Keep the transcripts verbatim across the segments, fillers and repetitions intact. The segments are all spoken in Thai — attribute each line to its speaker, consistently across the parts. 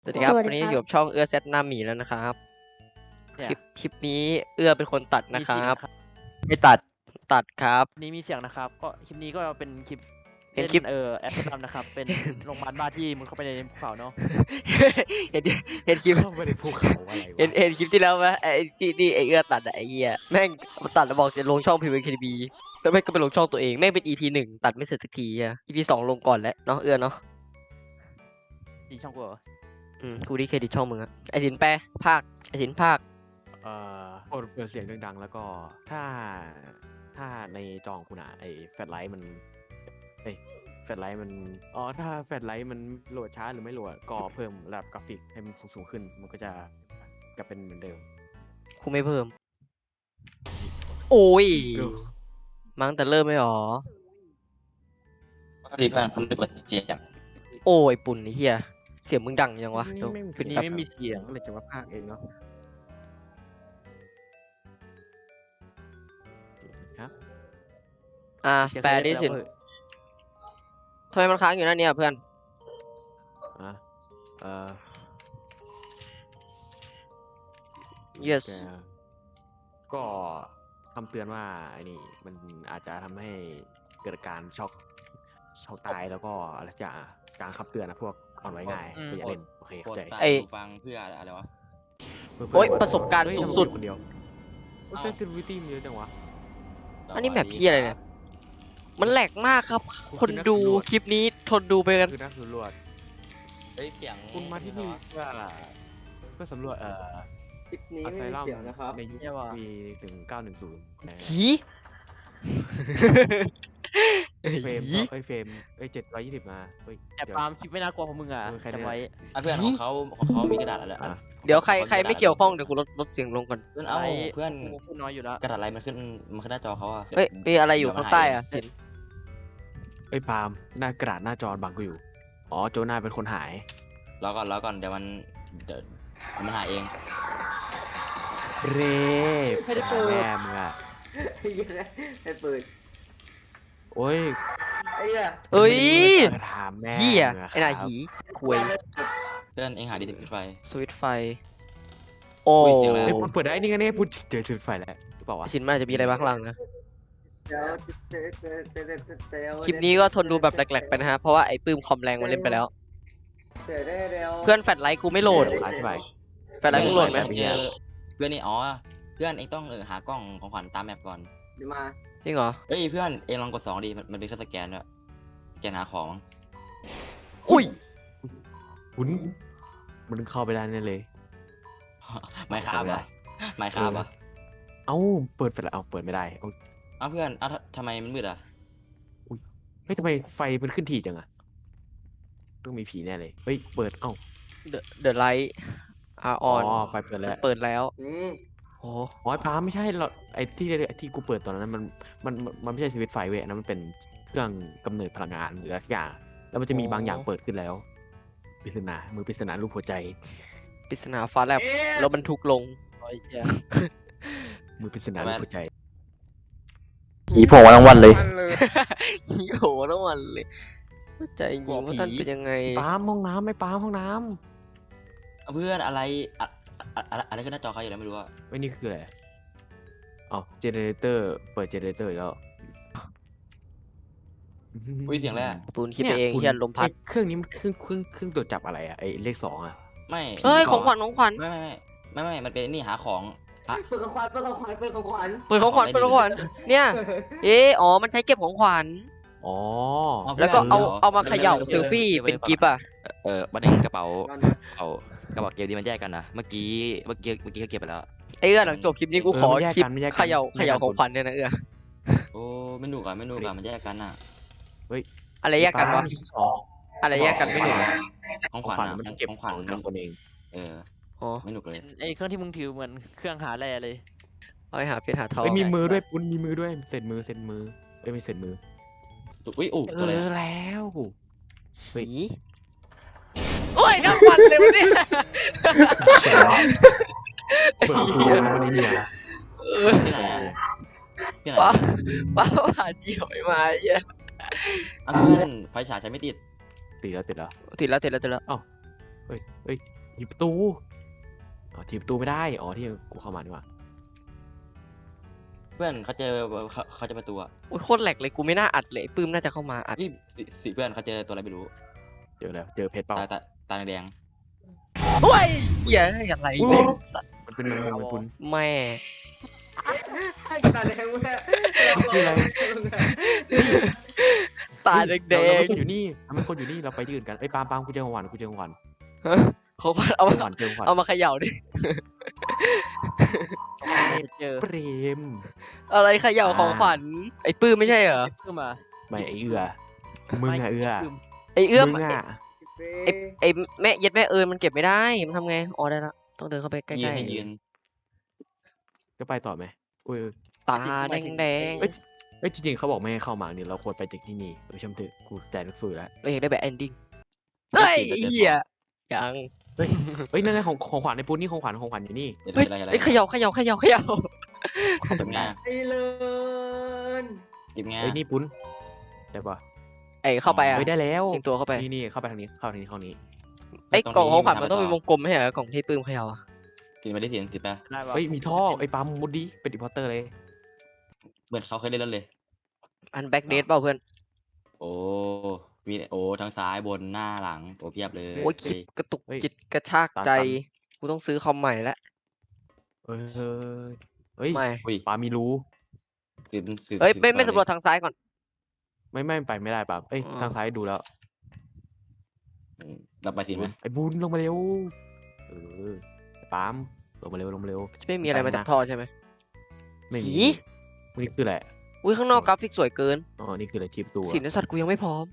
Speaker 1: สวัสดีครับ
Speaker 2: สวัสดี
Speaker 1: วันนี้
Speaker 2: ครับ
Speaker 1: อยู่กับช่องเอื้อแซดหน้าหมีแล้วนะครับ
Speaker 3: เนี่
Speaker 1: ค
Speaker 3: ย
Speaker 1: ลิปคลิปนี้เอื้อเป็นคนตัด
Speaker 3: มี
Speaker 1: นะค
Speaker 3: เสีย
Speaker 1: รั
Speaker 3: ง
Speaker 1: บ
Speaker 3: ไม่ตัด
Speaker 1: ตัดครับ
Speaker 3: นี้มีเสียงนะครับ ก็คลิปนี้ก็เป็นคลิป
Speaker 1: เป็น
Speaker 3: เล่น
Speaker 1: คลิป
Speaker 3: เอ่อแอดดัมนะครับ เป็น โรงพยาบาลบ้าที่มึงเข้าไปในภูเขาเนาะ
Speaker 1: เห็นเห็นคลิป
Speaker 4: เข้าไปในภูเขาอะไรวะ
Speaker 1: เห็นเห็นคลิปที่แล้วไหมไอ้ที่ที่ไอ้เอื้อตัดอะไอ้เหี้ยแม่งมันตัดแล้วบอกจะลงช่อง พี วี เค บี แล้วแม่งก็ไปลงช่องตัวเองแม่งเป็น อี พี หนึ่งตัดไม่เสร็จสักทีอะ อี พี สองลงก่อนแล้วเนาะเอื้อเนาะ
Speaker 3: ดีช่องกูเหรอ
Speaker 1: อืมกูดีเครดิตช่องมึงอะไอ้สินแปลภาคไอ้สินภาค
Speaker 4: เอ่อเปิดเปิดเสียงดังๆแล้วก็ถ้าถ้าในจองคุณอะไอแฟลชไลท์มันเอ้ยแฟลชไลท์มันอ๋อถ้าแฟลชไลท์มันโหลดช้าหรือไม่โหลดก็เพิ่มระดับกราฟิกให้มันสูงๆขึ้น มันก็จะจะเป็นเหมือนเดิม
Speaker 1: กูไม่เพิ่ม โอ้ย
Speaker 4: ดู
Speaker 1: มั้งแต่เริ่มไม่หรอ
Speaker 5: ปกติเพื่อนคุณไม่เปิดเสียง
Speaker 1: โอ้ยปุ่นไอ้เหี้ยเสียงมึงดังยังวะ
Speaker 4: นี่
Speaker 1: เดี๋ยว
Speaker 4: ไม่มี
Speaker 1: ปิด
Speaker 4: เสี
Speaker 1: แป๊
Speaker 4: ย
Speaker 1: บ
Speaker 4: งไม่มีเสียงเลยจะมาพากย์เองเนาะครับ
Speaker 1: อ่า
Speaker 3: เสียง
Speaker 1: แปล
Speaker 3: ใคร
Speaker 1: ดิ
Speaker 3: ไป
Speaker 1: สิน
Speaker 3: แล้วเว้ย
Speaker 1: ทำไมมันค้างอยู่นั่นเนี่ยเพื่อน
Speaker 4: อ่ะเอ่อ
Speaker 1: yes
Speaker 4: แกก็คำเตือนว่าไอ้นี่มันอาจจะทำให้เกิดการช็อกช็อกตายแล้วก็อะไรสักอย่างการคำเตือนนะพวกอ่อนไหวง่ายก็อย่าเล่นโอเค
Speaker 5: โปร
Speaker 4: เข้า
Speaker 5: ด
Speaker 4: ใจ
Speaker 5: ใส่
Speaker 1: ไอ้
Speaker 5: หูฟังเพื่ออะไรวะ
Speaker 1: โอ๊ยประสบการณ์
Speaker 4: เฮ้ย
Speaker 1: สูงสุด
Speaker 4: ทำไมมีคนเดียวเซนซิทิวิตี้มันเยอะจังวะ
Speaker 1: อันนี้แมปพี่อะไรเนี่ย มันแหลกมากครับ คนดูคลิปนี้ทนดูไปกัน
Speaker 4: คือนักสำรวจ
Speaker 5: เฮ้ยเสียง
Speaker 4: คุณมาที่นี่เพื่อเพื่อสำรวจเอ่อ
Speaker 1: คลิปนี้
Speaker 4: อา
Speaker 1: ไม่
Speaker 4: ไซ
Speaker 1: มี
Speaker 4: ลัม
Speaker 1: เสียงนะครับ
Speaker 4: ในยุคปีถึงเก้าหนึ่งศูนย์
Speaker 1: ผี
Speaker 4: เฟรม
Speaker 1: ผี
Speaker 4: เอ้ยเฟรมเอ้ยเจ็ดร้อยยี่สิบมาเฮ้ย
Speaker 3: แต่
Speaker 4: เดี๋ยว
Speaker 3: ปาล์มคลิปไม่น่ากลัวของมึงอ่ะ
Speaker 4: เออใครเนี่ย
Speaker 3: จำไว้
Speaker 5: อ่ะเพื่อนของเขาของเขามีกระดาษอะไร
Speaker 4: อ่ะ
Speaker 1: เดี๋ยวใครใครไม่เกี่ยวข้องเดี๋ยวกูลดลดเสียงลงก่อน
Speaker 5: เพื่อนเอา
Speaker 3: ไอ้
Speaker 5: เพื่อน
Speaker 3: กูพูดน้อยอยู่แล้ว
Speaker 5: กระดาษอะไรมันขึ้นมันขึ้นหน้าจอเขาอะ
Speaker 1: เฮ้ยมีอะไรอยู่ข้างใต้อะสิน
Speaker 4: เอ้ยปาล์มหน้ากระดาษหน้าจอบังกูอยู่อ๋อโจนาเป็นคนหาย
Speaker 5: รอก่อนรอก่อนเดี๋ยวมันเดี๋ยวมันหาเอง
Speaker 4: เร่แม่มึงอะ
Speaker 1: ไอ้ปืน
Speaker 4: โอ้ย
Speaker 1: เอ้ย
Speaker 4: ถามแม่
Speaker 1: เหี้ย
Speaker 4: มึงะ
Speaker 1: ไอ้หน้า
Speaker 4: ครับ
Speaker 1: หีควย
Speaker 5: เพื่อนเองหาดิสปิดไฟ
Speaker 1: สวิตช์ไฟ โอ้
Speaker 5: อุ้ยเสียงอะไร
Speaker 4: เฮ้ยเปิดได้นี่ไงเนี่ยพูดเจอจุดไฟแล้วหรือเปล่าวะ
Speaker 1: สินมันอาจจะมีอะไรบ้างข้างหลังนะ คลิปนี้ก็ทนดูแบบแหลกๆไปนะฮะ เพราะว่าไอ้ปื้มคอมแรงมันเล่นไปแล้ว เพื่อนแฟลชไลท์กูไม่โหลด
Speaker 4: อธิบาย
Speaker 1: แฟลชไลท์มึงโหลดไหม
Speaker 4: ไม่
Speaker 5: เจอเพื่อนนี่อ๋อเพื่อนเองต้องเออหากล้องของขวัญตามแมปก่อน
Speaker 1: จริงเหรอ
Speaker 5: เฮ้ยเพื่อนเองลองกดสองดิมันมันเป็นเครื่องสแกนด้วยสแกนหาของ
Speaker 1: อุ้ย
Speaker 4: คุณมันเข้าไปได้แน่เลย
Speaker 5: ไม่ครับอะไม่ครับอะ
Speaker 4: เอ้าเปิดไฟแล้วเอาเปิดไม่ได้เอ้า
Speaker 5: เอาเพื่อนเอาทำไมมันมืดอะ
Speaker 4: เฮ้ยทำไมไฟมันขึ้นถี่จังอะต้องมีผีแน่เลยเฮ้ยเปิดเอ้า
Speaker 1: The The Light are
Speaker 4: อ๋อ
Speaker 1: on
Speaker 4: ไฟเปิดแล้ว
Speaker 1: เปิดแล้วโอ้
Speaker 4: อ๋อป้าไม่ใช่เราไอ้ที่ที่กูเปิดตอนนั้นมันมันมันไม่ใช่สวิตช์ไฟเว้ยอันนั้นมันเป็นเครื่องกำเนิดพลังงานหรืออะไรสักอย่างแล้วมันจะมีบางอย่างเปิดขึ้นแล้วปริศนามือปริศนารูปหัวใจ
Speaker 1: ปริศนาฟ้าแลบแล้วบรรทุกลง
Speaker 3: โอ้ยเหี้ย
Speaker 4: มือปริศนารูปหัวใจ
Speaker 5: ผีโผล่ทั้งวันเลย
Speaker 1: ฮีโหทั้งวันเลยเข้าใจจริงว่าท่านเป็นยังไง
Speaker 4: ป้ามห้องน้ำไม่ป้ามห้องน้
Speaker 5: เอาเพื่อนอะไรอะอะอะอะไรขึ้นหน้าจอเขาอยู่แล้วไม่รู้อะ
Speaker 4: ำไอ้ยนี่คืออะไรอ๋อเจเนเรเตอร์เปิดเจเนเรเตอร์อีกแล้ว
Speaker 5: อุ้ยเสียงแรก
Speaker 1: ปูนคิดไปเอง
Speaker 4: คุณ
Speaker 1: เฮียลมพัด
Speaker 4: ไอ้เครื่องนี้มันเครื่องเครื่องเครื่องตรวจจับอะไรอะไอ้เลขสองอะ
Speaker 5: ไม่
Speaker 1: เฮ้ย ของขวัญของขวัญ
Speaker 5: ไม่ไม่ไม่ไม่ไม่มันเป็นนี่หาของอะ
Speaker 2: เปิดของขวัญเปิดของขวัญเปิดของขวัญ
Speaker 1: เปิดของขวัญเปิดของขวัญเนี่ย เอ๊ะอ๋อ มันใช้เก็บของขวัญ
Speaker 4: อ๋อ
Speaker 1: แล้วก็เอา
Speaker 4: เออ
Speaker 1: เอามาเขย่าเซลฟี่เป็นกิฟต์อ่ะ
Speaker 5: เออบันเองกระเป๋าเอากระเป๋าเกมดีมันแยกกันนะเมื่อกี้เมื่อกี้เมื่อกี้เขาเก็บไปแล้ว
Speaker 1: เอ้ยหลังจบคลิปนี้กูขอ
Speaker 4: เออมันแยก
Speaker 1: คลิป
Speaker 4: กันมันแยกกัน
Speaker 1: เขย่า
Speaker 4: แยกกัน
Speaker 1: เขย่าของขวัญเนี่ยนะเออ
Speaker 5: โอ้ไม่หนุกอะไม่หนุกอะมันแยกกันอะ
Speaker 1: อะไรแยกกันวะ
Speaker 4: อ๋อ
Speaker 1: อะไรแยกกันไม่หนุก
Speaker 5: ของ
Speaker 4: ข
Speaker 5: ข
Speaker 4: วั
Speaker 5: วั
Speaker 4: ญ
Speaker 5: ญอะ
Speaker 4: มัน
Speaker 5: มัน
Speaker 4: เก็บ
Speaker 5: ของ
Speaker 4: ข
Speaker 5: ขวัญ
Speaker 4: องแต่ละคนเอง
Speaker 5: เออ
Speaker 1: อ๋อ
Speaker 5: ไม่หนุกเลย
Speaker 3: ไอ้เครื่องที่มึงถือเหมือนเครื่องหาแร่เลย
Speaker 1: เอาไปหาเพชรหาทอง
Speaker 4: เอ้ยมีมือด้วยปุ้นมีมือด้วยเสร็จมือเสร็จมือเอ้ยไม่เสร็จมือ
Speaker 5: อุ้ยอู้
Speaker 4: เอ
Speaker 5: ตัวอะไร
Speaker 4: อ
Speaker 5: อะ
Speaker 4: แล้ว เฮ้ย
Speaker 1: หีโอ้ยทั้งวันเลยวะเนี่ย
Speaker 4: เสร็จแล้วเปิดประตูแล้วมันไอ้เนี่ย
Speaker 5: ที่ไหนอะที่ไหน
Speaker 1: ป้า
Speaker 5: อะ
Speaker 1: ป้าผ่าเจียวไอ้มาเหี้ย
Speaker 5: อ่ะเพื่อนไฟฉายใช้ไม่ติด
Speaker 4: ติดแล้วติดแล้ว
Speaker 1: ติดแล้วติดแล้วติดแล้ว
Speaker 4: เฮ้ยเฮ้ยถีบประตูอ๋อถีบประตูไม่ได้อ๋อที่กูเข้ามาดีกว่า
Speaker 5: เพื่อนเขาเจอเขาเขาจะประตูอ่ะ
Speaker 1: โอ้ยโคตรแหลกเลยกูไม่น่าอัดเลยปื้มน่าจะเข้ามาอัด
Speaker 5: นี่สิสิเพื่อนเขาเจอตัวอะไรไม่รู้
Speaker 4: เจอแล้วเจอเพชรเปล่า
Speaker 5: ตาตาตาแดง
Speaker 1: โอ้ยเหี้ยอะไรเนี่ยสัตว์
Speaker 4: มันเป็นแมงมุมมันปุน
Speaker 1: แม่
Speaker 2: ให้ตาแดงแม่
Speaker 4: คืออะไร
Speaker 1: ตาแด
Speaker 4: เราเรา
Speaker 1: ง
Speaker 4: ไม่คนอยู่นี่เราไม่คนอยู่นี่เราไปที่อื่นกันเอ้ยปาล์มปาล์มกูเจอของหวานกูเจอของหวาน
Speaker 1: ๆฮะเขาว่าเอา
Speaker 4: เจอ
Speaker 1: มา
Speaker 4: ของหวานเจอของหวาน
Speaker 1: เอามาเขย่าดิ
Speaker 3: เจอ
Speaker 4: เปรม
Speaker 1: อะไรเขย่าของขวัญไอ้ปื้มไม่ใช่เหรอ
Speaker 3: ขึ้นมา
Speaker 4: ไม่ไอเอือมึงอะเอือ
Speaker 1: ไอ้เอื้อม
Speaker 4: มึงอะ
Speaker 1: ไอ้ไอ้แม่เย็ดแม่เอิญมันเก็บไม่ได้มันทำไงอ๋อได้ละต้องเดินเข้าไปใก
Speaker 5: ยืน
Speaker 1: ล้
Speaker 5: ให้ยืน
Speaker 4: จะไปต่อไหมอุ้ย
Speaker 1: ๆตาแดง
Speaker 4: เอ้ยเอ้ยจริงๆเขาบอกไม่ให้เข้ามาเนี่ยเราควรไปจากที่นี่เออช่างเถอะกูใจนักสู้อยู่แล้ว
Speaker 1: ๆเราอยากได้แบบ ending เฮ้ยไอ้เหี้ยยัง
Speaker 4: เฮ้ยนั่นไงของของขวัญในปุ้นนี่ของขวัญของขวัญอยู่นี่
Speaker 5: เดี๋ยว
Speaker 1: เฮ้ย
Speaker 5: อะไรอะไร
Speaker 1: เฮ้ยเขย่าเขย่าเขย่าเขย่า
Speaker 4: เข้าไป
Speaker 5: เก็บ
Speaker 4: ไม่
Speaker 5: งา
Speaker 4: ได้
Speaker 2: ไอ้เลิน
Speaker 5: เก็บงา
Speaker 4: เฮ้ยนี่ปุ้นได้ปะ
Speaker 1: ไอ้เข้าไปอ่ะ
Speaker 4: เฮ้ยได้แล้ว
Speaker 1: เองตัวเข้าไป
Speaker 4: นี่นี่เข้าไปทางนี้เข้าทางนี้ห้องนี้
Speaker 1: ไอ้กล่องของขวัญมันต้องเป็นวงกลมไม่ใช่เหรอกล่องที่ปื้มเขย่าอะ
Speaker 5: กินไม่ได้เสียงติดไป
Speaker 3: ได้ปะ
Speaker 4: เฮ้ยมีท่อไอ้ปั๊มมุดดีเป็นอีพอร์เตอร์เลย
Speaker 5: เหมือนเขาเคยเล่นแล้วเลย
Speaker 1: อันแบ็กเดทเปล่าเพื่อน
Speaker 5: โอ้มีโอ้ทั้งซ้ายบนหน้าหลังโอ้เพียบเลย
Speaker 1: โอ้ยคลิปกระตุกจิตกระชากใจ กูต้องซื้อคอมใหม่แล้ว
Speaker 4: เอ้ยเฮ้ย
Speaker 1: ไม่
Speaker 5: อุ้ย
Speaker 4: ปามีรู้
Speaker 5: สืบสืบ
Speaker 1: เฮ้ย
Speaker 5: สืบ
Speaker 1: ไม่ไม่
Speaker 5: ต่อ
Speaker 1: สำรวจทางซ้ายก่อน
Speaker 4: ไม่ไม่ไปไม่ได้ปั๊มเอ้ย
Speaker 1: อ๋อ
Speaker 4: ทางซ้ายดูแล้ว
Speaker 5: อืมเราไปสิไหม
Speaker 4: ไอ้บุญลงมาเร็วเออปั๊มลงมาเร็วลงมาเร็ว
Speaker 1: จะไม่มีอะไร
Speaker 4: ไป
Speaker 1: มา
Speaker 4: นะ
Speaker 1: จากท่อใช่ไหม
Speaker 4: ไม่มี
Speaker 1: ผี
Speaker 4: นี่คืออะไร
Speaker 1: อุ้ยข้างนอกกราฟิกสวยเกิน
Speaker 4: อ๋อนี่คืออะไรคลิปตัว
Speaker 1: สินสัตว์กูยังไม่พร้อม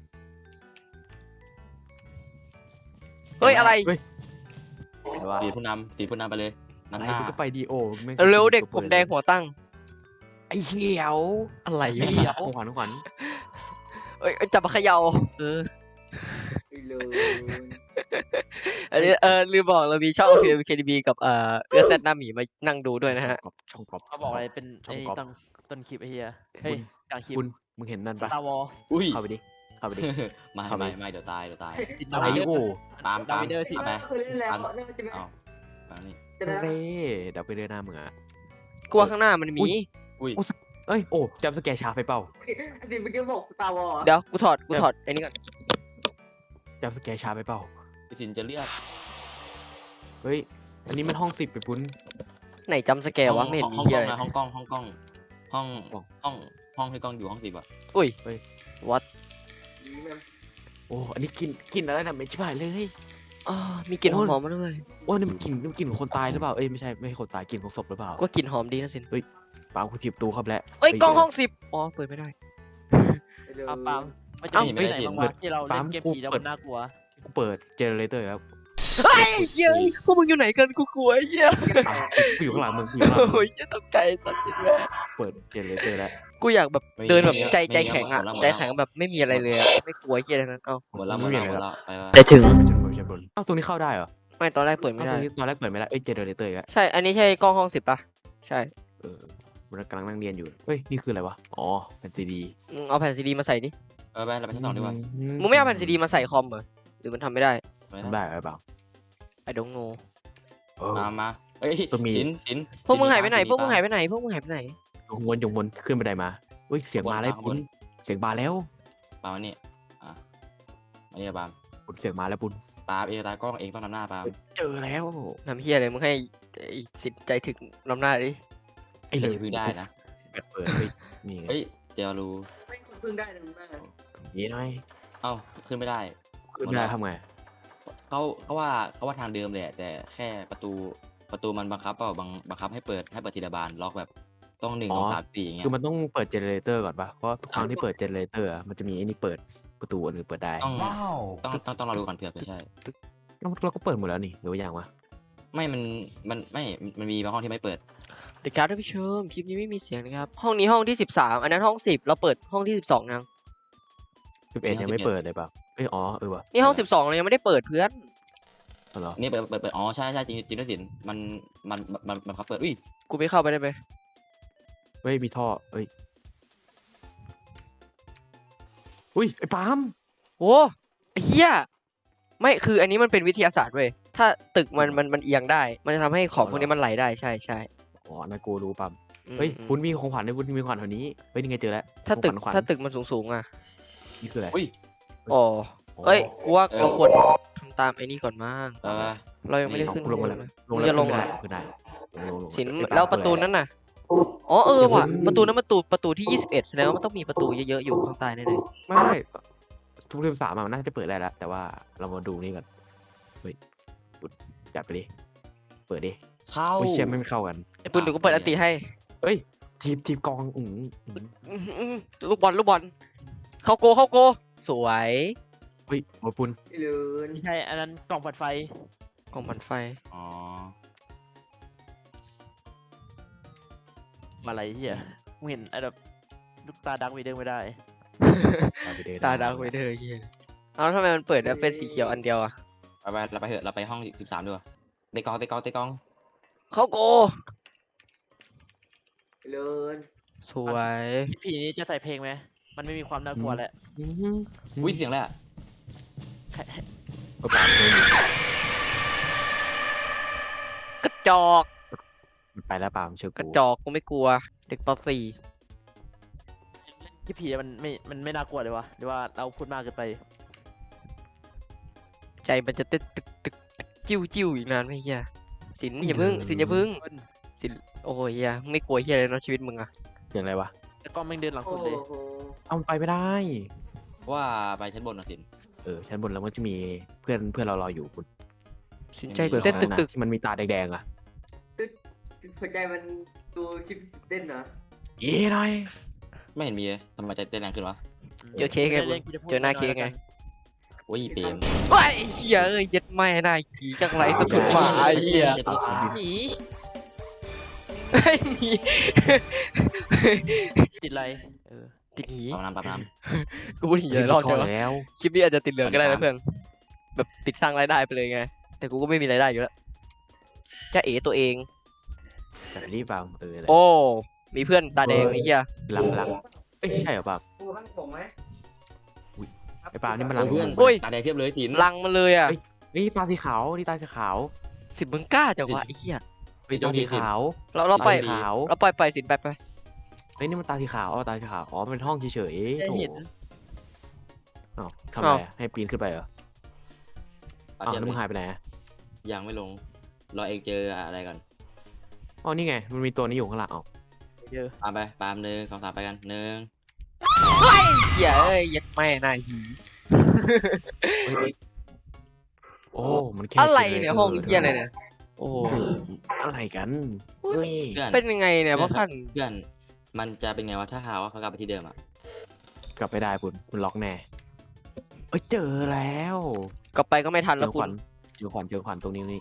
Speaker 1: เฮ้ย อะไร
Speaker 4: เฮ้ยอะไรวะ
Speaker 5: สีผู้นำสีผู้นำไปเลยนำ
Speaker 4: ไอ้
Speaker 5: หน้า
Speaker 4: กูก็ไปดีโอแม่ง
Speaker 1: เร็วเด็ก
Speaker 4: ปิ
Speaker 1: ผมแดงหัวตั้ง
Speaker 4: ไอ้เขียว
Speaker 1: อะไร
Speaker 4: ไอ้
Speaker 1: เนี่
Speaker 4: เหี้ย
Speaker 1: ย
Speaker 4: ของขวัญของขวัญ
Speaker 1: เอ้ยเอ้ยจับมาเขย่าเออ
Speaker 2: ไอ้เลิน
Speaker 1: อันนี้เออลืมบอกเรามีช่อง พี เอ็ม เค ดี บี กับเอ่อเอื้อแซดหน้าหมีมานั่งดูด้วยนะฮะ
Speaker 4: ช่องกรอบ
Speaker 3: เขาบอกอะไรเป็น
Speaker 4: ช่อ
Speaker 3: ไอ้
Speaker 4: งกรอบ
Speaker 3: ต้นต้นคลิปไอ้เหี้ยเฮ้ยกลางคลิป
Speaker 4: คุณมึงเห็นนั่นปะ
Speaker 3: ตาวอล
Speaker 5: อุ้ย
Speaker 4: เข้าไปดิเข้าไปดิ
Speaker 5: ไม่
Speaker 4: เข้าไป
Speaker 5: ไม่ไม่เดี๋ยวตายเดี๋ยวตาย
Speaker 3: ติด
Speaker 4: อะไร
Speaker 3: ดาว
Speaker 4: โอ้
Speaker 5: ตามตาม
Speaker 3: ดาวิเดอร์สิ
Speaker 5: ตามไป
Speaker 2: เคยเล่นแล้วน่าจะไม่
Speaker 5: เอาตามนี่
Speaker 2: จะได้
Speaker 4: เร่เดี๋ยวไปเดินหน้ามึงอ่ะ
Speaker 1: กลัวข้างหน้ามันมี
Speaker 5: อุ้ย
Speaker 4: เอ้ยโอ้จำสแกร์ชาไปเปล่า
Speaker 2: สิเมื่อกี้บอกตาวอ
Speaker 1: เดี๋ยวกูถอดกูถอดไอ้นี่ก่อน
Speaker 4: จำสแกร์ชาไปเปล่า
Speaker 5: พี่สินจะเลือก
Speaker 4: เฮ้ยอันนี้มันห้องสิบไปปุ้น
Speaker 1: ไหนจำสแกร์วะไม่เห็นมี
Speaker 5: ห้อง
Speaker 1: เหี้ย
Speaker 5: กล้
Speaker 1: อะไร
Speaker 5: องนะห้องกล้องห้องกล้องห้อง
Speaker 4: อ๋อ
Speaker 5: ห้องห้องที่กล้องอยู่ห้องสิบอ่ะ
Speaker 1: อุ้ยวัด
Speaker 4: โอ้อันนี้กลินกลินอะไรนะไม่ใช่เลย
Speaker 1: อ๋อมีกลิ่นห
Speaker 4: โอ้
Speaker 1: อย มๆมาด้วย
Speaker 4: โอ้นี่มันกลิ่นนี่มันกลิ่นของคนตายหรือเปล่าเอ้ยไม่ใช่ไม่ใช่คนตายกลิ่นของศพหรือเปล่า
Speaker 1: ก็กลิ่นหอมดีนะสิน
Speaker 4: ปาล์มคุณถีบประตูเข้าไปแล้ว
Speaker 1: เอ้ยกล้องห้องสิบอ๋อเปิดไม่ได้
Speaker 3: ปาล์มปาล์มมันจะ
Speaker 1: เอ้า
Speaker 3: มีที่ไหนบ้างวะที่เราเล่นเกมผีแล้วมันน่ากลัว
Speaker 4: กูเปิดเจเนเรเตอร์แล้ว
Speaker 1: เฮ้ยเหี้ยพวกมึงอยู่ไหนกันกูกลัวไอ้เหี้ย
Speaker 4: ปาล์มกูอยู่ข้างหลังมึงกูอยู่ข้างหลังมึ
Speaker 1: โอ้
Speaker 4: ง
Speaker 1: ยเหี้ยตกใจสัตว์จริงเลย
Speaker 4: เปิดเจเนเรเตอร์แล้ว
Speaker 1: กูอยากแบบเดินแบบใจใจแข็งอ่ะใจแข็งแบบไม่มีอะไรเลยอะไม่กลัวเหี้ยอะไรนั้นเอ้า
Speaker 5: หมดแล้วหมดแล้วหมดแล้วไปว่า
Speaker 1: ไปถึง
Speaker 4: ชั้นบนชั้นบนอ้าวตรงนี้เข้าได้เหรอ
Speaker 1: ไม่ตอนแรกเปิดไม่
Speaker 4: อ้าว
Speaker 1: ได้
Speaker 4: ตรงนี้ตอนแรกเปิดไม่ได้เอ้ยเจเนเรเตอร์อีกแล้ว
Speaker 1: ใช่ อันนี้ใช่กล้องห้องสิบปะใช่
Speaker 4: เออมันกำลังนั่งเรียนอยู่เฮ้ยนี่คืออะไรวะอ๋อเป็นซีดี
Speaker 1: มึงเอาแผ่นซีดีมาใส่ดิ
Speaker 5: เออไปเราไปชั้นสองดีกว่า
Speaker 1: มึงไม่เอาแผ่นซีดีมาใส่คอมเหรอหรือมันทำไม่ได้
Speaker 5: ไป
Speaker 4: ทำได้หรือเปล่า
Speaker 1: I don't know
Speaker 4: เออ
Speaker 5: มามาเอ้ย
Speaker 4: ก็มี
Speaker 5: สินสิน
Speaker 1: พวกมึงหายไปไหน พวกมึงหายไปไหน พวกมึงหายไปไหน
Speaker 4: ยงวนยงวนขึ้นบันไดมาเฮ้ยเสียงมาแล้วปุ้นเสียงมาแล้ว
Speaker 5: ปามานี่อ่ะมานี่ปาม
Speaker 4: ปุ้นเสียงมาแล้วปุ้น
Speaker 5: ปาเอตากล้องเองต้องนำหน้าปาม
Speaker 4: เจอแล้ว
Speaker 1: ทำเฮียอะไรมึงให้ไอ้สิทธิ์ใจถึงน้ำหน้าดิ
Speaker 4: ไอ้เลย
Speaker 5: พึ่งได้นะ
Speaker 4: เปิดเปิดเฮ้ยนี่ไง
Speaker 5: เฮ้ยเจลรู
Speaker 2: ไม่พึ่งได้นะแม่
Speaker 4: นี่หน่อย
Speaker 5: เอ้าขึ้นไม่ได้
Speaker 4: ขึ้นไม่ได้ทำไง
Speaker 5: เขาเขาว่าเขาว่าทางเดิมแหละแต่แค่ประตูประตูมันบังคับเปล่าบังบังคับให้เปิดให้เปิดทีละบานล็อกแบบต้องหนึ่งสองสามสี่อย่างเงี้ย
Speaker 4: คือมันต้องเปิดเจเนเรเตอร์ก่อนปะเพราะทุกครั้งที่เปิดเจเนเรเตอร์อะมันจะมีไอ้นี่เปิดประตูอันอื่นเปิดได้
Speaker 5: ต้องต้องต้องต้องรอดูก่อนเผื่อเผื่อใช่
Speaker 4: เราเราก็เปิดหมดแล้วนี่หรือว่าอย่างวะ
Speaker 5: ไม่มันมันไม่มันมีบางห้องที่ไม่เปิด
Speaker 1: เด็กครับท่านผู้ชมคลิปนี้ไม่มีเสียงนะครับ ห้องนี้ห้องที่สิบสามอันนั้นห้องสิบเราเปิดห้องที่สิบสองยัง
Speaker 4: สิบเอ็ดยังไม่เปิดเลยเปล่าเอ้ยอ๋อเออวะ
Speaker 1: นี่ห้องสิบสองเรายังไม่ได้เปิดเพื่อน
Speaker 4: เอาเหรอ
Speaker 5: นี่เปิดเปิดเปิดอ๋อใช่ใช่จริงจริงด้วยสินมันมันมันมันครับเปิดอุ้ย
Speaker 1: กูไม่เข้าไปได้ไหม
Speaker 4: เฮ้ยมีท่อเฮ้ยอุ้ยไอ้ปาล์ม
Speaker 1: โอ้ไอ้เฮียไม่คืออันนี้มันเป็นวิทยาศาสตร์เว้ยถ้าตึกมันมันมันเอียงได้ มันจะทำให้ของพวกนี้มันไหลได้ใช่ใช่
Speaker 4: อ๋อนากูรู้ปั๊ม
Speaker 1: อืม
Speaker 4: เฮ้ย
Speaker 1: อืม
Speaker 4: คุณมีของขวัญด้วยคุณมีของขวัญแถวนี้เฮ้ยนี่ไงเจอแล้ว
Speaker 1: ถ้าตึก
Speaker 4: ของขวัญ
Speaker 1: ถ้าตึกมันสูงสูงๆอ่ะ
Speaker 4: นี่คืออะไร
Speaker 5: อุ้ย
Speaker 1: อ๋อเอ้ยกูว่า
Speaker 5: เออ
Speaker 1: เราควรทำตามไอ้นี่ก่อนมั้ง
Speaker 5: เออ
Speaker 1: เรายังไม่ได้
Speaker 5: นี่
Speaker 1: ขึ้น
Speaker 4: ลงมา
Speaker 1: เล
Speaker 4: แล้ว
Speaker 1: ย
Speaker 4: ลง
Speaker 1: มึง
Speaker 4: แล้ว
Speaker 1: จะลงเหรอ
Speaker 4: ขึ้นได้ขึ้นได้ลงลง
Speaker 1: สิน
Speaker 4: ไอ้ปั๊ม
Speaker 1: แล้วประตู
Speaker 4: คืออไ
Speaker 1: นั้นน่ะอ๋อเออว่ะ
Speaker 4: เดี๋ยว
Speaker 1: ประตูนั้นประตูประตูที่ยี่สิบเอ็ดแสดงว่ามันต้องมีประตูเยอะๆอยู่ข้างใต้แน่เลย
Speaker 4: ไม่ไม่ทุกเทอมสามอะมันน่าจะเปิดได้แล้ว แต่ว่าเรามาดูนี่ก่อนเฮ้ยหยุดจัดไปดิเปิดดิ
Speaker 5: เข้า
Speaker 4: โอ้ยเชี่ยไม่เข้ากัน
Speaker 1: ไอ้ปุ้นเดี๋ยวกูเปิดอันติให้
Speaker 4: เอ้ยทีมทีมกองอืมอืม
Speaker 1: อื้อหือลูกบอลลูกบอลเข้าโกเข้าโกสวย
Speaker 4: เฮ้ยโอ้ยปุน
Speaker 2: ไอ้เลิน
Speaker 3: ไม่ใช่อันนั้นกล่องปัดไฟ
Speaker 1: กองมันไฟ
Speaker 5: อ๋อ
Speaker 3: อะไรเหี้ยมึงเห็นไอ้แบบลูกตาดังวีเดอร์ไม่ได้
Speaker 4: ตาไปเดิน
Speaker 1: ตาดาวเวเดอร์เฮียเอาทำไมมันเปิดแล้วเป็นสีเขียวอันเดียวอ่ะ
Speaker 5: ไปไปเราไปเถอะเราไปห้องสิบสามดีกว่าเตะกองเตะกองเตะกอง
Speaker 1: เข้าโก
Speaker 2: ไอ้เลิน
Speaker 1: สวย
Speaker 3: พี่ผีนี้จะใส่เพลงไหมมันไม่มีความน่ากลัวแหละ
Speaker 4: อืม
Speaker 5: อุ้ยเสียงอะไรอะ
Speaker 4: ก็ปาดเลย
Speaker 1: กระจอก
Speaker 4: มันไปแล้วปามเชื่อก
Speaker 1: ระ
Speaker 4: กู
Speaker 1: จอกกูไม่กลัว เด็กปสี่
Speaker 3: พี่ผีมันไม่มันไม่น่ากลัวเลยวะหรือว่าเราพูดมากเกินไป
Speaker 1: ใจมันจะเต้นตึกตึกตึกจิ้วจิ้วอีกนานไหมเฮียสินอย่าพึ่งสินอย่าพึ่งสินโอ้ยเฮียไม่กลัวเฮียเลยเนาะชีวิตมึงอะ
Speaker 4: เสียงอะไรวะ
Speaker 3: แล้วก็แม่งเดินหลัง
Speaker 2: โอ้
Speaker 3: สุดเลย
Speaker 2: โห
Speaker 4: เอามันไปไม่ได้
Speaker 5: ว่าไปชั้นบนหน่อยสิน
Speaker 4: เออชั้นบนแล้วมันจะมีเพื่อนเพื่อนเรารออยู่คุณ
Speaker 1: สินใจ
Speaker 4: เพื่อน
Speaker 1: เต้น
Speaker 4: ข
Speaker 1: ตึ
Speaker 4: อง
Speaker 1: ก
Speaker 4: นั้
Speaker 1: ตึ
Speaker 4: น
Speaker 1: ก
Speaker 4: ที่มันมีตาแดงๆอ่ะ
Speaker 2: ตึ๊ดหัวใจมันตัวคลิปเต้นเหรอ
Speaker 4: เย้หน่อย
Speaker 5: ไม่เห็นมีเลยทำไมใจเต้นแรงขึ้นวะ
Speaker 1: เจอเค้กไงมึงเจอหน้าเค้กไง
Speaker 5: โอ้ยเปรม
Speaker 1: ว้ายเฮียเอ้ยเย็ดไม่ได้ขี่จังไรก็ถูกหมาไอ้เฮีย
Speaker 5: จะตัวสูงดิ
Speaker 3: หมี
Speaker 1: ไอ้หมี
Speaker 3: ติดอะไรเออ
Speaker 1: ติดหนี
Speaker 5: ปั๊มน้ำปั๊มน้
Speaker 1: กูพูดหนีหลายรอบ
Speaker 4: พ
Speaker 1: ใช่
Speaker 4: อ
Speaker 1: ปะ
Speaker 4: แล้ว
Speaker 1: คลิปนี้อาจจะติดเหลืองก็ได้นะเพื่อนแบบติดสร้างรายได้ไปเลยไง แต่กูก็ไม่มีรายได้อยู่แล้วจะเอ๋ตัวเอง
Speaker 4: แต่รีบปามเอออะไร
Speaker 1: โอ้ มีเพื่อนตาแดงไอ้เหี้ย
Speaker 4: หลังหลังเอ้ยใช่เหรอปาม
Speaker 2: กูข้างผมไหม
Speaker 4: ไอ้ปามนี่มัน
Speaker 5: ำ
Speaker 4: หลัง
Speaker 5: เพื่อน
Speaker 1: โอ้ย
Speaker 5: ตาแดงเพียบเลยสิน
Speaker 1: ลังมาเลยอ่ะ
Speaker 4: นี่ตาสีขาวนี่ตาสีขาว
Speaker 1: สิบมึงกล้าจังวะไอ้เหี้ย
Speaker 4: เฮ้ยตาสีขาว
Speaker 1: เราเราไป
Speaker 4: ตาสีขาว
Speaker 1: เราปล่อยไปสินไปไป
Speaker 4: เฮ้ยนี่มันตาสีขาวอ๋อตาสีขาวอ๋อมันเป็นห้องเฉยๆ
Speaker 3: ได้
Speaker 4: โถ
Speaker 3: เห็น
Speaker 4: อ้าวทำอะไรอะให้ปีนขึ้นไปเหรอ
Speaker 5: เอา
Speaker 4: อ้าว
Speaker 5: เทียบ
Speaker 4: แล้วมึง
Speaker 5: เลย
Speaker 4: หายไปไหนอะ
Speaker 5: ยังไม่ลงรอเองเจออะไรก่อน
Speaker 4: อ๋อนี่ไงมันมีตัวนี้อยู่ข้างหลังอ๋อ
Speaker 3: เยอะ
Speaker 5: ตามไปปามหนึ่งสองสามไปกันหนึ่ง
Speaker 1: เหี้ยเอ้ยยัดแม่นายหี
Speaker 4: เฮ้ยโอ้มันแค่
Speaker 1: อะไร
Speaker 4: จ
Speaker 1: เนี่ยห้องเหี้ยอะไรเนี่ยโอ้โห
Speaker 4: อะไรกันเฮ้ย
Speaker 5: เพื่อน
Speaker 1: เป็นยังไงเนี่ยพ่อพันธุ์
Speaker 5: เพื่อนมันจะเป็นไงวะถ้าหาว่าเขากลับไปที่เดิมอ่ะ
Speaker 4: กลับไปได้คุณมันล็อกแน่เอ้ยเจอแล้ว
Speaker 1: กลับไปก็ไม่ทัน
Speaker 4: เจ
Speaker 1: แล้ว
Speaker 4: อข
Speaker 1: คุ
Speaker 4: วั
Speaker 1: ณ
Speaker 4: ญเจอขวัญเจอขวัญตรงนี้นี่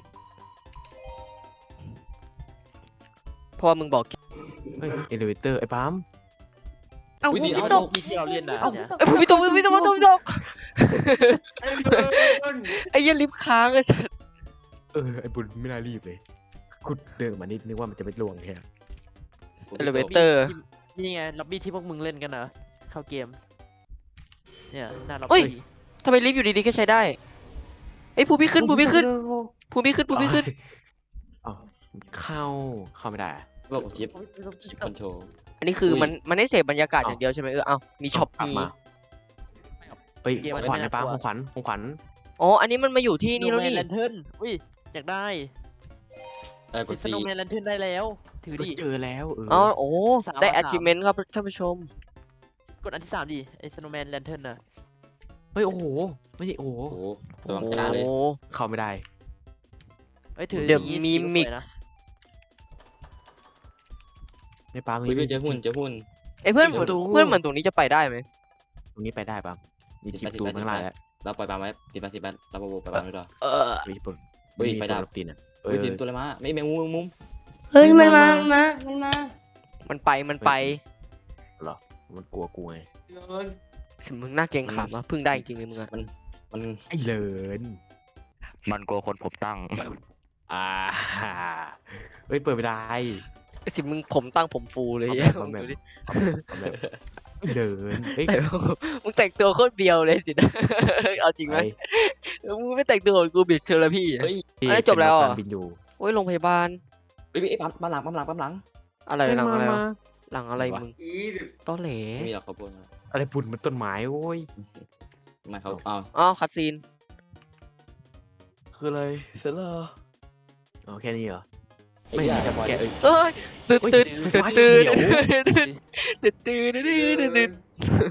Speaker 1: เพราะว่ามึงบอก
Speaker 4: เฮ้ยเอลิเวเตอร์ไอ้ปั๊ม
Speaker 1: เอ้า
Speaker 5: อุ๊ย
Speaker 1: พี่
Speaker 5: เดี๋ยว
Speaker 1: ตก
Speaker 3: มีที่เราเล่นนะเนี่ย
Speaker 1: ไอ้ยพี่ตกพี่ตกพี่ตกพี่ตก
Speaker 2: ไอ้เลิน
Speaker 1: ไอ้เหี้ยลิฟต์ค้างอะสัส
Speaker 4: เออไอ้บุญไม่น่ารีบเลยกูเดินออกมานิดนึกว่ามันจะไม่ล่วงแค่
Speaker 1: เอลิเวเตอร์
Speaker 3: นี่ไงล็อบบี้ที่พวกมึงเล่นกันเหรอเข้าเกมเนี่ยหน้าล็อบ
Speaker 1: เฮ้ย
Speaker 3: บี้
Speaker 1: ทำไมลิฟต์อยู่ดีๆก็ใช้ได้ไอ้ยภูพี่ขึ้นภูพี่ขึ้นภูพี่ขึ้นภูพี่ขึ้น
Speaker 4: อ๋อเข้าเข้าไม่ได้อะ
Speaker 5: บอกชิปชิปคอนโทรล
Speaker 1: อันนี้คือ
Speaker 5: อุ้ย
Speaker 1: มันมันได้เสพบรรยากาศ
Speaker 4: อ้าว
Speaker 1: อย่างเดียวใช่ไหมเออเอามีช็อป
Speaker 4: กลับ
Speaker 1: มี
Speaker 4: มาเฮ้ยของขวัญไอ้ปั๊มของขวัญของขวัญ
Speaker 1: อ๋ออันนี้มันมาอยู่ที่นี่แล้วนี่
Speaker 3: แลนเทิร์นอุ้ยอยากได้
Speaker 5: เออก
Speaker 3: ติ
Speaker 5: ด
Speaker 3: ดส
Speaker 5: ซี
Speaker 3: โนว์แมนแลนเทิร์นได้แล้วถือดิ
Speaker 4: เจอแล้วเออ
Speaker 1: อ๋อโอ้
Speaker 3: สาม
Speaker 1: ได้
Speaker 3: วันสาม
Speaker 1: achievement ครับท่านผู้ชม
Speaker 3: กดอันที่สามดิไอ้สโนว์แมนแลนเทิร์นน่ะ
Speaker 4: เฮ้ยโอ้โหไม่ใช่โอ้โห
Speaker 5: โอ้โหตัวมันกล้าเลย
Speaker 1: โอ้
Speaker 4: เข้าไม่ได้
Speaker 3: เอ้ยถือ
Speaker 1: เดี๋ยว
Speaker 3: อย่างงี้
Speaker 1: มี
Speaker 3: สีก็สวย
Speaker 1: มิก
Speaker 3: นะ
Speaker 1: ซ์
Speaker 4: ไอ้ปั๊ม
Speaker 5: อุ้ยเพื่อนเจอหุ้นเจอหุ้น
Speaker 1: ไอ้ยเพื่อนเหมือน
Speaker 4: ประตู
Speaker 1: เพื่อนเหมือนตรงนี้จะไปได้ไหม
Speaker 4: ตรงนี้ไปได้ปั๊มมี
Speaker 5: ติ
Speaker 4: จิ
Speaker 5: ด
Speaker 4: บ
Speaker 5: ไป
Speaker 4: ตู
Speaker 5: ติดไป
Speaker 4: ข้างล่างแล้ว
Speaker 5: เราปล่อยปามไว้ติดไปติดไปเราโบว์ไปปามไว้ด้วย
Speaker 1: เออ
Speaker 4: ไปญี่ปุ่น
Speaker 5: เฮ้ย
Speaker 4: มี
Speaker 5: ไฟ
Speaker 4: ตัว
Speaker 5: ดับ
Speaker 4: รถตีนอ่ะเอ
Speaker 5: เฮ้ย
Speaker 4: อ
Speaker 5: สินตัวอะไรมาไม่แมงมุมแมงมุม
Speaker 6: เฮ้ยมันมา มันมา มันมา
Speaker 1: มันไปมันไป
Speaker 4: มันกลัวกูไง
Speaker 2: เลิน
Speaker 1: สิมึงน่าเกรงขามอะเพิ่งได้จริงๆเลยมึงอะ
Speaker 5: มัน
Speaker 4: ไอ้เลิน
Speaker 5: มันกลัวคนผมตั้ง
Speaker 4: อ่าเฮ้ยเปิดไม่ได้
Speaker 1: ไอ้สิมึงผมตั้งผมฟูเลย
Speaker 4: เอา
Speaker 1: เหี้ย
Speaker 4: แบบเอาแบบ
Speaker 1: ดูดิ
Speaker 4: เอาแบบเดินเฮ้ย
Speaker 1: ใส่มึงแต่งตัวโคตรเบียวเลยสินะ เอาจริงไหม
Speaker 4: ไอ้
Speaker 1: มึงไม่แต่งตัวเหมือนกูบิดเชอร์พี่อะ
Speaker 5: เฮ้ย
Speaker 4: ที่
Speaker 1: อันนี้จบแล้วเหรอ
Speaker 4: เป็นรถการบินอยู่
Speaker 1: โอ้ยโรงพยาบาล
Speaker 5: เฮ้ยเอ้ยปั๊มปั๊มหลังปั๊มหลังปั๊มหลัง
Speaker 1: อะไรหลังอะไรวะหลังอะไร
Speaker 5: วะ
Speaker 1: มึง
Speaker 2: อีแบบ
Speaker 1: ต้อเหล
Speaker 5: ไม่มีหรอกเขาพูดมา
Speaker 4: อะไรปุ่นมันต้นไม้โอ้ย
Speaker 5: ไม่เขาเอา
Speaker 1: อ๋อคาซีน
Speaker 5: คืออะไรเสร็จแล้ว
Speaker 4: อ๋อแค่นี้เหรอ
Speaker 5: ไอ้
Speaker 4: ไม่
Speaker 5: เหี้ย
Speaker 4: มีจับแกะเอ้ย
Speaker 1: เอ้ยตื่น
Speaker 4: เฮ้ย
Speaker 1: ตื่น
Speaker 4: ไฟ
Speaker 1: ตื่น
Speaker 4: ฟ้า
Speaker 1: ตื่น
Speaker 4: เขียว
Speaker 1: ตื่นตื่นตื่นตื่นตื่นตื่น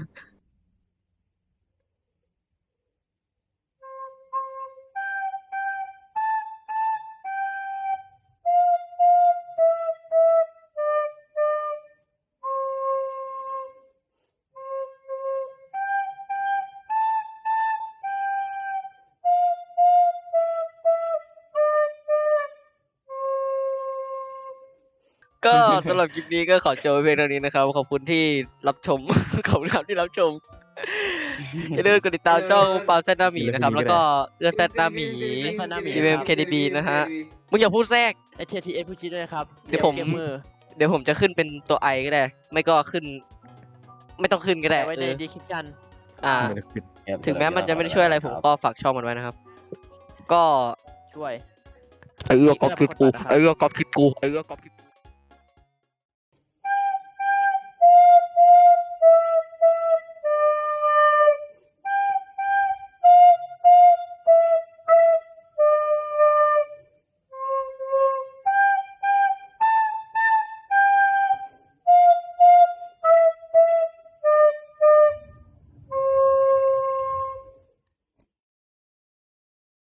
Speaker 1: ก็สำหรับคลิปนี้ก็ขอจบไว้เพียงเท่านี้นะครับ ขอบคุณที่รับชม ขอบคุณครับที่รับชม อย่าลืมกดติดตามช่องปาแซดหน้าหมีนะครับ แล้วก็เอื้อแซดหน้าหมี ดี เอ็ม เค ดี บี นะฮะ มึงอย่าพูดแทรก
Speaker 3: ไอเททีเอสพูดชี้ด้วยนะครับ
Speaker 1: เดี๋ยวผม
Speaker 3: เกมเมอร์
Speaker 1: เดี๋ยวผมจะขึ้นเป็นตัวไอก็ได้ ไม่ก็ขึ้น ไม่ต้องขึ้นก็ได้
Speaker 3: ไว้
Speaker 1: เอ
Speaker 3: ใน
Speaker 1: อ
Speaker 3: ดีคริปชัน
Speaker 1: อ่า ถึงแม้มันจะไม่ได้ช่วยอะไรผมก็ฝากช่องมันไว้นะครับ ก็
Speaker 3: ช่วย
Speaker 1: ไอเอื้อกอบคลิปกูไอเอื้อกอบคลิปกูไอเอื้อกอบคลิปกู